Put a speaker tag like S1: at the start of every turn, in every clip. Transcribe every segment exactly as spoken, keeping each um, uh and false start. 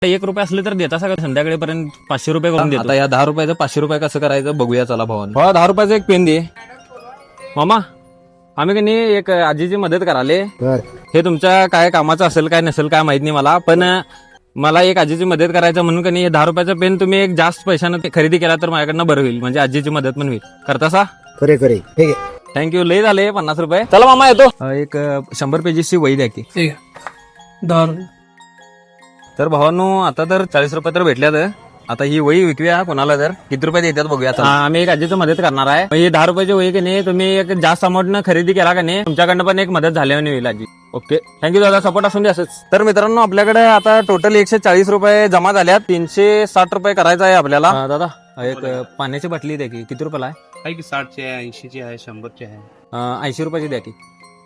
S1: एक रुपये असले तर देता सगळं संध्याकाळपर्यंत पाचशे रुपये करून देतो. आता या दहा रुपयाचं पाचशे रुपये कसं करायचं बघूया चला भावानं. भावा दहा रुपयाचं एक पेन दे. मामा आम्ही की नाही एक आजीची मदत कराले. हे तुमच्या काय कामाचं असेल काय नसेल काय माहित नाही मला, पण मला एक आजीची मदत करायचं म्हणून की नाही दहा रुपयाचं पेन तुम्ही एक जास्त पैशानं खरेदी केला तर माझ्याकडनं बरं होईल, म्हणजे आजीची मदत पण होईल. करता सा?
S2: खरे खरे ठीक आहे.
S1: थँक्यू. लय झाले पन्नास रुपये. चला मामा येतो. एक शंभर पेजेसची वही द्या की.
S3: दहा रुपये.
S1: तर भावांनो आता तर चाळीस रुपये तर भेटल्यात. आता ही वही विकूया कोणाला तर किती रुपये देतात बघूया. आम्ही एक आजीची मदत करणार आहे. ही दहा रुपयाची वही की नाही तुम्ही एक जास्त अमाऊंटनं खरेदी केला का नाही तुमच्याकडनं पण एक मदत झाल्याने होईल आजी. ओके थँक्यू दादा, सपोर्ट असून दे असंच. तर मित्रांनो आपल्याकडे आता टोटल एकशे चाळीस रुपये जमा झाल्यात. तीनशे साठ रुपये करायचा आहे आपल्याला. दादा एक पाण्याची बाटली द्या की. किती रुपयाला आहे?
S3: की साठची आहे, ऐंशीची आहे, शंभरची आहे.
S1: ऐंशी रुपयाची द्या की.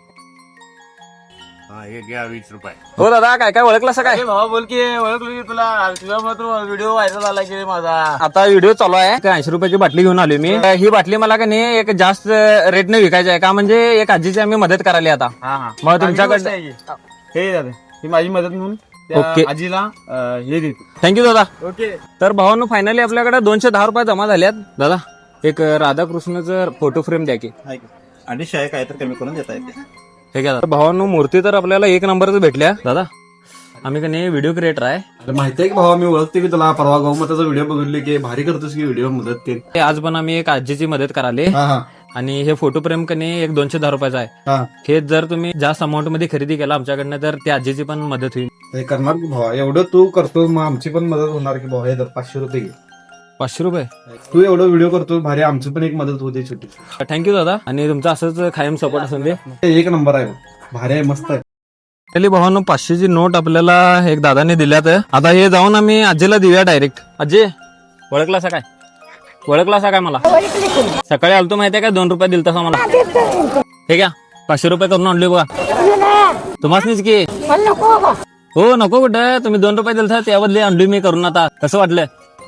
S3: हे घ्या वीस रुपये.
S1: हो दादा काय काय ओळखलं असं काय?
S3: भावा बोल की ओळखलो की तुला तुझ्या मात्र व्हिडिओ व्हायरल झाला की माझा.
S1: आता व्हिडिओ चालू आहे. ऐंशी रुपयाची बाटली घेऊन आलो मी. ही बाटली मला का नाही एक जास्त रेटने विकायची आहे का, म्हणजे एक आजीची आम्ही मदत करायला आता.
S3: हा हा
S1: मग तुमच्याकडे
S3: हे दादा ही माझी मदत म्हणून त्या
S1: ओके.
S3: आजीला अं, हे देतो.
S1: थँक्यू दादा.
S3: ओके.
S1: तर भावांनो फायनली आपल्याकडे दोनशे दहा रुपये जमा झाल्यात. दादा एक राधाकृष्णाचं फोटो फ्रेम द्या की.
S3: अडीचशे आहे काय तर कमी करून देता येते.
S1: ठीक आहे. भावांनो मूर्ती तर आपल्याला एक नंबरच भेटल्या. दादा आम्ही का नाही व्हिडिओ क्रिएटर आहे.
S2: माहिती आहे की भावा मी ओळखते की तुला. परवा गौमताचा व्हिडिओ बघितले की भारी करतोस की व्हिडिओ मदत ते.
S1: आज पण आम्ही एक आजीची मदत कराले आणि हे फोटो फ्रेम का नाही एक दोनशे दहा रुपयाचा आहे. हे जर तुम्ही जास्त अमाऊंट मध्ये खरेदी केला आमच्याकडनं तर त्या आजीची पण मदत होईल.
S2: करणार की भावा, एवढं तू करतो मग आमची पण मदत होणार की भावा. हे तर पाचशे रुपये घे.
S1: पाचशे रुपये.
S2: तू एवढं व्हिडिओ करतो भारी, आमची पण एक मदत होते छोटी.
S1: थँक्यू दादा. आणि तुमचं असंच कायम सपोर्ट असून दे.
S2: एक नंबर आहे भारी आहे, मस्त आहे.
S1: चली भावांनो पाचशेची नोट आपल्याला एक दादाने दिल्यात. आता हे जाऊन आम्ही आजीला देऊया डायरेक्ट. आजी ओळखला असा काय? ओळखला असा काय मला? सकाळी आलतो माहितीये का दोन रुपये दिलता मला. हे घ्या पाचशे रुपये करून आणले बघा. तुम्हाच की हो नको कुठं, तुम्ही दोन रुपये दिलता त्याबद्दल आणली मी करून. आता कसं वाटलं?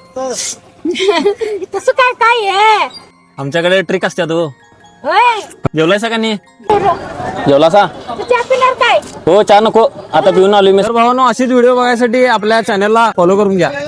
S4: तसं काय काय आहे
S1: आमच्याकडे ट्रिक असतात. हो
S4: होय
S1: जेवलायसा का नाही? जेवलासा?
S4: चहा पिणार काय?
S1: हो चहा नको, आता पिऊन आलो मी. तर भावांनो अशीच व्हिडिओ बघायसाठी आपल्या चॅनलला फॉलो करून घ्या.